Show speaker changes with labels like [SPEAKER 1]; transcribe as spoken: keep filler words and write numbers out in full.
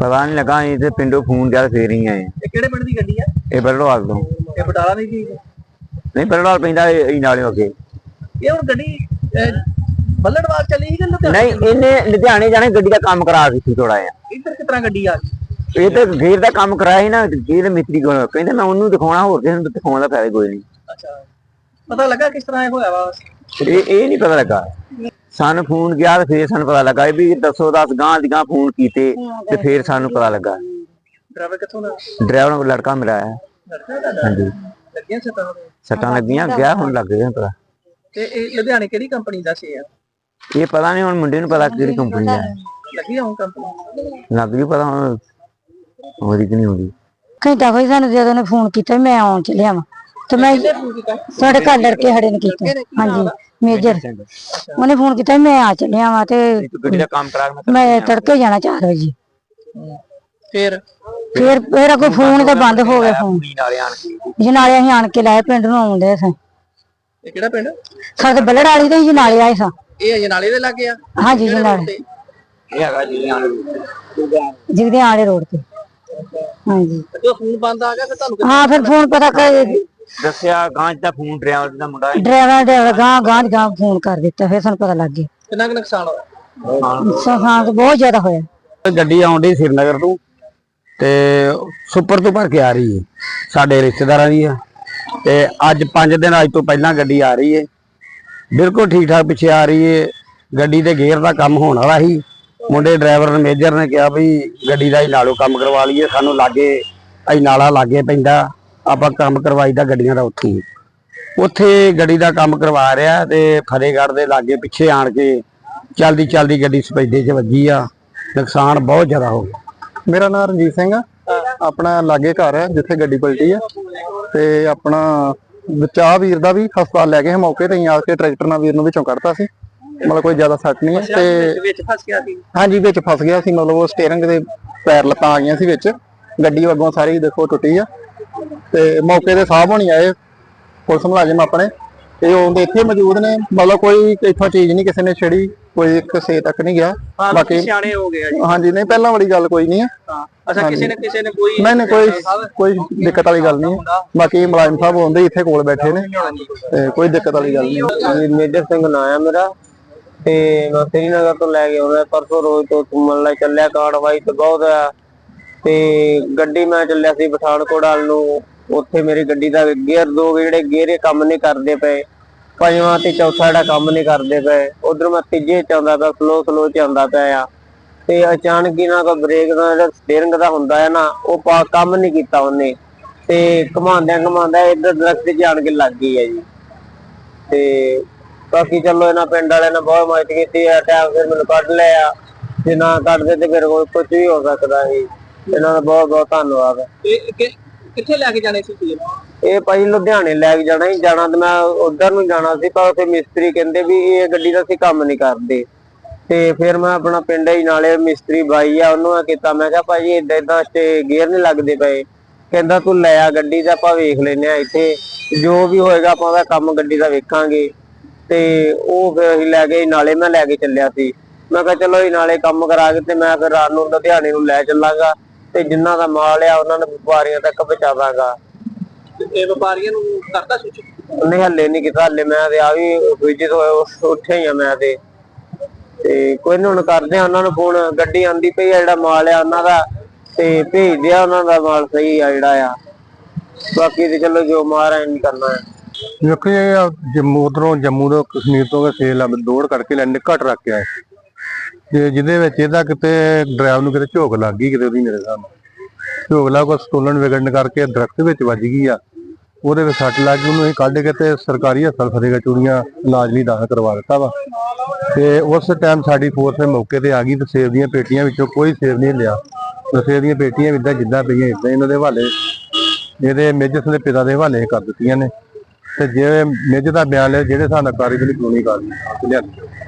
[SPEAKER 1] ਪਤਾ ਨਹੀਂ ਲੱਗਾ ਇਹ ਤੇ ਪਿੰਡੋਂ ਫੋਨ ਗਿਆ ਫੇਰ ਹੀ ਆਏ।
[SPEAKER 2] ਇਹ ਕਿਹੜੇ ਪਿੰਡ ਦੀ ਗੱਡੀ ਆ?
[SPEAKER 1] ਇਹ ਬਰੜਵਾਲ ਤੋਂ।
[SPEAKER 2] ਇਹ ਬਟਾਲਾ ਨਹੀਂ ਸੀ?
[SPEAKER 1] ਨਹੀਂ ਬਰੜਵਾਲ ਪੈਂਦਾ ਇਹ ਨਾਲੇ ਅੱਗੇ।
[SPEAKER 2] ਇਹ ਹੁਣ ਗੱਡੀ ਬੱਲੜਵਾਲ ਚੱਲੀ ਸੀ ਕਿ ਲੁਧਿਆਣੇ?
[SPEAKER 1] ਨਹੀਂ ਇਹਨੇ ਲੁਧਿਆਣੇ ਜਾਣੇ ਗੱਡੀ ਦਾ ਕੰਮ ਕਰਾ ਦਿੱਤੀ ਥੋੜਾ ਜਿਹਾ।
[SPEAKER 2] ਇੱਧਰ ਕਿਸ ਤਰ੍ਹਾਂ ਗੱਡੀ ਆ ਗਈ?
[SPEAKER 1] ਇਹ ਤੇ ਗੇਰ ਦਾ ਕੰਮ ਕਰਾਇਆ ਸੀ ਨਾ, ਗੇਰ ਮਿਸਤਰੀ ਕੋਲ ਕਹਿੰਦੇ ਮੈਂ ਉਹਨੂੰ ਦਿਖਾਉਣਾ, ਹੋਰ ਕਿਸੇ ਨੂੰ ਦਿਖਾਉਣ ਦਾ ਫਾਇਦਾ ਕੋਈ ਨਹੀਂ।
[SPEAKER 2] ਅੱਛਾ, ਪਤਾ ਲੱਗਾ ਕਿਸ ਤਰ੍ਹਾਂ ਇਹ ਹੋਇਆ ਵਾ?
[SPEAKER 1] ਇਹ ਇਹ ਨਹੀਂ ਪਤਾ ਲੱਗਾ ਸਾਨੂੰ, ਫੋਨ ਗਿਆ ਤੇ ਫੇਰ ਸਾਨੂੰ ਪਤਾ ਲੱਗਾ ਵੀ ਦੱਸੋ ਦਸ ਗਾਂ ਦੀ ਗਾਂ ਫੋਨ ਕੀਤੇ ਤੇ ਫੇਰ ਸਾਨੂੰ ਪਤਾ ਲੱਗਾ।
[SPEAKER 2] ਡਰਾਈਵਰ ਕਿੱਥੋਂ ਦਾ?
[SPEAKER 1] ਡਰਾਈਵਰ ਨੂੰ ਲੜਕਾ ਮਿਲਿਆ ਹੈ। ਹਾਂਜੀ
[SPEAKER 2] ਲੱਗੀਆਂ ਸੱਟਾਂ?
[SPEAKER 1] ਸੱਟਾਂ ਲੱਗੀਆਂ, ਗਿਆ ਹੁਣ ਲੱਗ ਗਿਆ ਪਤਾ।
[SPEAKER 2] ਤੇ ਇਹ ਲੁਧਿਆਣੇ ਕਿਹੜੀ ਕੰਪਨੀ ਦਾ ਸੀ?
[SPEAKER 1] ਇਹ ਪਤਾ ਨਹੀਂ, ਹੁਣ ਮੁੰਡੇ ਨੂੰ ਪਤਾ ਕਿਹੜੀ ਕੰਪਨੀ ਦਾ ਹੈ।
[SPEAKER 2] ਲੱਗੀ ਹੁਣ ਕੰਪਨੀ?
[SPEAKER 1] ਲੱਗ ਜੂ ਪਤਾ ਹੁਣ ਹੋਰੀ ਕਿ ਨਹੀਂ ਹੋਰੀ।
[SPEAKER 3] ਘੰਟਾ ਹੋਈ ਸਾਨੂੰ ਜਦੋਂ ਉਹਨੇ ਫੋਨ ਕੀਤਾ ਮੈਂ ਆਉਣ ਚੱਲਿਆ ਵਾ ਤੇ ਮੈਂ ਸਾਡੇ ਘਰ ਲੜਕੇ ਖੜੇ ਨੇ ਕੀਤਾ। ਹਾਂਜੀ ਮੇਜਰ ਉਹਨੇ ਫੋਨ ਕੀਤਾ ਮੈਂ ਆ ਚੱਲਿਆ ਵਾ ਤੇ
[SPEAKER 1] ਗੱਡੀ ਦਾ ਕੰਮ ਕਰਾ
[SPEAKER 3] ਮੈਂ ਤੜਕੇ ਜਾਣਾ ਚਾਰ ਵਜੇ।
[SPEAKER 2] ਫਿਰ
[SPEAKER 3] ਫਿਰ ਫਿਰ ਕੋਈ ਫੋਨ ਤਾਂ ਬੰਦ ਹੋ ਗਿਆ ਫੋਨ। ਜਨਾਲੇ ਅਸੀਂ ਆਣ ਕੇ ਲਾਏ ਪਿੰਡ ਨੂੰ ਆਉਂਦੇ ਸਾਂ।
[SPEAKER 2] ਇਹ ਕਿਹੜਾ ਪਿੰਡ?
[SPEAKER 3] ਸਾਡੇ ਬੱਲੜ ਵਾਲੀ ਤੇ ਜਨਾਲੇ ਆਏ ਸਾਂ।
[SPEAKER 2] ਇਹ ਜਨਾਲੇ ਦੇ ਲੱਗੇ ਆ?
[SPEAKER 3] ਹਾਂਜੀ ਜਨਾਲੇ
[SPEAKER 1] ਇਹ ਹੈਗਾ ਜੀ
[SPEAKER 3] ਜਿਗਦੇ ਆਲੇ ਰੋਡ ਤੇ। ਹਾਂਜੀ
[SPEAKER 2] ਜਦੋਂ ਫੋਨ ਬੰਦ ਆ ਗਿਆ ਫਿਰ ਤੁਹਾਨੂੰ
[SPEAKER 3] ਹਾਂ ਫਿਰ ਫੋਨ ਪਤਾ ਕਰ
[SPEAKER 1] ਦੱਸਿਆ ਗਾਂ ਦਾ ਫੋਨ ਡਰਾਈਵਰ ਦਾ ਮੁੰਡਾ
[SPEAKER 3] ਡਰਾਈਵਰ ਡਰਾਈਵਰ ਗਾਂ ਗਾਂ ਗਾਂ ਫੋਨ ਕਰ ਦਿੱਤਾ, ਫਿਰ ਸਾਨੂੰ ਪਤਾ ਲੱਗ ਗਿਆ।
[SPEAKER 2] ਕਿੰਨਾ ਕੁ ਨੁਕਸਾਨ ਹੋਇਆ?
[SPEAKER 3] ਨੁਕਸਾਨ ਤਾਂ ਬਹੁਤ ਜ਼ਿਆਦਾ ਹੋਇਆ।
[SPEAKER 1] ਗੱਡੀ ਆਉਂਦੀ ਸ਼੍ਰੀਨਗਰ ਤੋਂ ਤੇ ਸੁਪਰ ਤੋਂ ਭਰ ਕੇ ਆ ਰਹੀ ਹੈ, ਸਾਡੇ ਰਿਸ਼ਤੇਦਾਰਾਂ ਦੀ ਆ। ਤੇ ਅੱਜ ਪੰਜ ਦਿਨ ਅੱਜ ਤੋਂ ਪਹਿਲਾਂ ਗੱਡੀ ਆ ਰਹੀ ਹੈ, ਬਿਲਕੁਲ ਠੀਕ ਠਾਕ ਪਿੱਛੇ ਆ ਰਹੀ ਹੈ। ਗੱਡੀ ਦੇ ਗੇਅਰ ਦਾ ਕੰਮ ਹੋਣ ਵਾਲਾ ਸੀ। ਮੁੰਡੇ ਡਰਾਈਵਰ ਨੇ ਮੇਜਰ ਨੇ ਕਿਹਾ ਵੀ ਗੱਡੀ ਦਾ ਹੀ ਨਾਲੋਂ ਕੰਮ ਕਰਵਾ ਲਈਏ, ਸਾਨੂੰ ਲਾਗੇ ਅਸੀਂ ਨਾਲਾ ਲਾਗੇ ਪੈਂਦਾ, ਆਪਾਂ ਕੰਮ ਕਰਵਾਈਦਾ ਗੱਡੀਆਂ ਦਾ ਉੱਥੇ ਉੱਥੇ ਗੱਡੀ ਦਾ ਕੰਮ ਕਰਵਾ ਰਿਹਾ ਤੇ ਫਤਿਹਗੜ੍ਹ ਦੇ ਲਾਗੇ ਪਿੱਛੇ ਆਣ ਕੇ ਚਲਦੀ ਚਲਦੀ ਗੱਡੀ ਸਪੈਡੇ 'ਚ ਵੱਜੀ ਆ। ਨੁਕਸਾਨ ਬਹੁਤ ਜ਼ਿਆਦਾ ਹੋ ਗਿਆ।
[SPEAKER 4] ਮੇਰਾ ਨਾਮ ਰਣਜੀਤ ਸਿੰਘ ਆ, ਆਪਣਾ ਲਾਗੇ ਘਰ ਹੈ ਜਿੱਥੇ ਗੱਡੀ ਪਲਟੀ ਆ ਤੇ ਆਪਣਾ ਬਚਾਅ ਵੀਰ ਦਾ ਵੀ ਹਸਪਤਾਲ ਲੈ ਗਏ ਮੌਕੇ ਤੇ ਆ ਕੇ, ਟਰੈਕਟਰ ਨਾਲ ਵੀਰ ਨੂੰ ਵਿੱਚੋਂ ਕੱਢਤਾ ਸੀ, ਮਤਲਬ ਕੋਈ ਜ਼ਿਆਦਾ ਸੱਟ ਨਹੀਂ ਹੈ। ਤੇ
[SPEAKER 2] ਵਿੱਚ ਫਸ ਗਿਆ ਸੀ?
[SPEAKER 4] ਹਾਂਜੀ ਵਿੱਚ ਫਸ ਗਿਆ ਸੀ, ਮਤਲਬ ਉਹ ਸਟੀਅਰਿੰਗ ਦੇ ਪੈਰ ਲੱਤਾਂ ਆ ਗਈਆਂ ਸੀ ਵਿੱਚ, ਗੱਡੀ ਅੱਗੋਂ ਸਾਰੀ ਦੇਖੋ ਟੁੱਟੀ ਆ। ਤੇ ਮੌਕੇ ਤੇ ਸਾਹਿਬ ਹੋਣੀ ਆਏ ਪੁਲਿਸ ਮੁਲਾਜ਼ਮ ਆਪਣੇ, ਤੇ ਉਹ ਇੱਥੇ ਮੌਜੂਦ ਨੇ, ਮਤਲਬ ਕੋਈ ਇੱਥੋਂ ਚੀਜ਼ ਨਹੀਂ ਕਿਸੇ ਨੇ ਛੇੜੀ, ਕੋਈ ਕਿਸੇ ਤੱਕ ਨਹੀਂ ਗਿਆ।
[SPEAKER 2] ਬਾਕੀ ਸਿਆਣੇ ਹੋ ਗਏ ਜੀ।
[SPEAKER 4] ਹਾਂਜੀ ਨਹੀਂ ਪਹਿਲਾਂ ਵਾਲੀ ਗੱਲ ਕੋਈ ਨਹੀਂ ਆ।
[SPEAKER 2] ਅੱਛਾ, ਕਿਸੇ ਨੇ ਕਿਸੇ ਨੇ ਕੋਈ
[SPEAKER 4] ਨਹੀਂ ਨਹੀਂ ਕੋਈ ਕੋਈ ਦਿੱਕਤ ਵਾਲੀ ਗੱਲ ਨਹੀਂ। ਬਾਕੀ ਮੁਲਾਜ਼ਮ ਸਾਹਿਬ ਹੁੰਦੇ ਇੱਥੇ ਕੋਲ ਬੈਠੇ ਨੇ ਤੇ ਕੋਈ ਦਿੱਕਤ ਵਾਲੀ ਗੱਲ ਨਹੀਂ।
[SPEAKER 1] ਮੇਜਰ ਸਿੰਘ ਨਾਂ ਆ ਮੇਰਾ ਤੇ ਮੈਂ ਸ਼੍ਰੀਨਗਰ ਤੋਂ ਲੈ ਕੇ ਆਉਂਦਾ ਪਰਸੋਂ ਰੋਜ਼ ਤੋਂ ਘੁੰਮਣ ਲਈ ਚੱਲਿਆ। ਕਾਰਵਾਈ ਤੇ ਬਹੁਤ ਆ ਤੇ ਗੱਡੀ ਮੈਂ ਚੱਲਿਆ ਸੀ ਪਠਾਨਕੋਟ ਵੱਲ ਨੂੰ। ਉੱਥੇ ਮੇਰੀ ਗੱਡੀ ਦਾ ਗੇਅਰ ਦੋ ਜਿਹੜੇ ਗੇਅਰੇ ਕੰਮ ਨਹੀਂ ਕਰਦੇ ਪਏ, ਪੰਜਵਾਂ ਤੇ ਚੌਥਾ ਜਿਹੜਾ ਕੰਮ ਨਹੀਂ ਕਰਦੇ ਪਏ। ਉਧਰ ਮੈਂ ਤੀਜੇ ਚ ਆਉਂਦਾ ਪਿਆ, ਸਲੋ ਸਲੋ ਚ ਆਉਂਦਾ ਪਿਆ ਆ ਤੇ ਅਚਾਨਕ ਹੀ ਨਾ ਕੋਈ ਬ੍ਰੇਕ ਦਾ ਜਿਹੜਾ ਸਟੀਅਰਿੰਗ ਦਾ ਹੁੰਦਾ ਹੈ ਨਾ, ਉਹ ਕੰਮ ਨਹੀਂ ਕੀਤਾ ਉਹਨੇ ਤੇ ਘੁਮਾਉਂਦਿਆਂ ਘੁਮਾਉਂਦਾ ਇੱਧਰ ਦਰਖਤ 'ਚ ਆਣ ਕੇ ਲੱਗ ਗਈ ਹੈ ਜੀ। ਤੇ ਬਾਕੀ ਚਲੋ ਇਹਨਾਂ ਪਿੰਡ ਵਾਲਿਆਂ ਨੇ ਬਹੁਤ ਮਦਦ ਕੀਤੀ ਹੈ, ਟਾਈਮ ਫਿਰ ਮੈਨੂੰ ਕੱਢ ਲਿਆ। ਜੇ ਨਾ ਕੱਢਦੇ ਤੇ ਫਿਰ ਕੁਝ ਵੀ ਹੋ ਸਕਦਾ ਸੀ। ਇਹਨਾਂ ਦਾ ਬਹੁਤ ਬਹੁਤ ਧੰਨਵਾਦ।
[SPEAKER 2] ਕਿੱਥੇ ਲੈ ਕੇ ਜਾਣੇ ਸੀ ਤੁਸੀਂ?
[SPEAKER 1] ਇਹ ਭਾਈ ਲੁਧਿਆਣੇ ਲੈ ਕੇ ਜਾਣਾ ਹੀ ਜਾਣਾ ਤੇ ਮੈਂ ਉਧਰ ਨੂੰ ਜਾਣਾ ਸੀ, ਪਰ ਉੱਥੇ ਮਿਸਤਰੀ ਕਹਿੰਦੇ ਵੀ ਇਹ ਗੱਡੀ ਦਾ ਅਸੀਂ ਕੰਮ ਨਹੀਂ ਕਰਦੇ। ਤੇ ਫਿਰ ਮੈਂ ਆਪਣਾ ਪਿੰਡ ਹੀ ਨਾਲੇ ਮਿਸਤਰੀ ਬਾਈ ਆ ਉਹਨੂੰ ਮੈਂ ਕੀਤਾ, ਮੈਂ ਕਿਹਾ ਭਾਈ ਏਦਾਂ ਏਦਾਂ ਤੇ ਗੇਅਰ ਨਹੀਂ ਲੱਗਦੇ ਪਏ। ਕਹਿੰਦਾ ਤੂੰ ਲੈ ਆ ਗੱਡੀ ਦਾ, ਆਪਾਂ ਵੇਖ ਲੈਨੇ ਆ ਇੱਥੇ ਜੋ ਵੀ ਹੋਏਗਾ ਆਪਾਂ ਉਹਦਾ ਕੰਮ ਗੱਡੀ ਦਾ ਵੇਖਾਂਗੇ। ਤੇ ਉਹ ਫਿਰ ਅਸੀਂ ਲੈ ਗਏ ਨਾਲੇ, ਮੈਂ ਲੈ ਕੇ ਚੱਲਿਆ ਸੀ। ਮੈਂ ਕਿਹਾ ਚਲੋ ਇਹ ਨਾਲੇ ਕੰਮ ਕਰਾ ਕੇ ਤੇ ਮੈਂ ਫਿਰ ਰਾਤ ਨੂੰ ਲੁਧਿਆਣੇ ਨੂੰ ਲੈ ਚੱਲਾਂਗਾ ਤੇ ਜਿੰਨਾ ਦਾ ਮਾਲ ਆ ਉਹਨਾਂ ਨੂੰ ਵਪਾਰੀਆਂ ਤੱਕ ਪਹੁੰਚਾਵਾਂਗਾ।
[SPEAKER 2] ਇਹ ਵਪਾਰੀਆਂ ਨੂੰ ਕਰਦਾ ਸੂਚਿਤ?
[SPEAKER 1] ਨਹੀਂ ਹੱਲੇ ਨਹੀਂ ਕੀਤਾ, ਹੱਲੇ ਮੈਂ ਤੇ ਆ ਵੀ ਵਿਜਿਟ ਹੋਏ ਉੱਥੇ ਹੀ ਆ ਮੈਂ ਤੇ ਤੇ ਕੋਈ ਨੀ ਹੁਣ ਕਰਦੇ ਆ ਉਹਨਾਂ ਨੂੰ ਫੋਨ। ਗੱਡੀ ਆਂਦੀ ਪਈ ਆ, ਜਿਹੜਾ ਮਾਲ ਆ ਉਹਨਾਂ ਦਾ ਤੇ ਭੇਜਦੇ ਆ, ਉਹਨਾਂ ਦਾ ਮਾਲ ਸਹੀ ਆ ਜਿਹੜਾ ਆ। ਬਾਕੀ ਤੇ ਚਲੋ ਜੋ ਮਾਰ ਨਹੀਂ ਕਰਨਾ ਹੈ।
[SPEAKER 4] ਦੇਖੋ ਇਹ ਜੰਮੂ ਉਧਰੋਂ ਜੰਮੂ ਤੋਂ ਕਸ਼ਮੀਰ ਤੋਂ ਸੇਲ ਦੌੜ ਕਰਕੇ ਲੈ ਨਿੱਕਾ ਟਰੱਕ ਆਇਆ ਤੇ ਜਿਹਦੇ ਵਿੱਚ ਇਹਦਾ ਕਿਤੇ ਡਰਾਈਵਰ ਨੂੰ ਕਿਤੇ ਝੋਕ ਲੱਗ ਗਈ ਕਿਤੇ ਉਹਦੀ, ਮੇਰੇ ਸਾਹਮਣੇ ਝੋਕ ਲੱਗ ਕੋ ਸਟੋਲਨ ਵਿਗੜਨ ਕਰਕੇ ਦਰਖਤ ਵਿੱਚ ਵੱਜ ਗਈ ਆ। ਉਹਦੇ ਵਿੱਚ ਸੱਟ ਲੱਗ ਗਈ, ਉਹਨੂੰ ਅਸੀਂ ਕੱਢ ਕੇ ਤੇ ਸਰਕਾਰੀ ਹਸਪਤਾਲ ਫਤਿਹਗੜ੍ਹ ਚੂੜੀਆਂ ਇਲਾਜ ਲਈ ਦਾਖਲ ਕਰਵਾ ਦਿੱਤਾ ਵਾ। ਤੇ ਉਸ ਟਾਈਮ ਸਾਡੀ ਫੋਰਸ ਮੌਕੇ ਤੇ ਆ ਗਈ ਤੇ ਸੇਬ ਦੀਆਂ ਪੇਟੀਆਂ ਵਿੱਚੋਂ ਕੋਈ ਸੇਬ ਨਹੀਂ ਲਿਆ। ਸੇਬ ਦੀਆਂ ਪੇਟੀਆਂ ਇਦਾਂ ਜਿੱਦਾਂ ਪਈਆਂ ਇਦਾਂ ਇਹਨਾਂ ਦੇ ਹਵਾਲੇ, ਇਹਦੇ ਮੇਜਰ ਦੇ ਪਿਤਾ ਦੇ ਹਵਾਲੇ ਕਰ ਦਿੱਤੀਆਂ ਨੇ। ਤੇ ਜੇ ਮੇਜਰ ਦਾ ਬਿਆਨ ਲਿਆ ਜਿਹੜੇ ਹਿਸਾਬ ਨਾਲ ਕਾਰਵਾਈ ਕਾਨੂੰਨੀ ਕਾਰਵਾਈ ਲਿਆਂਦੀ।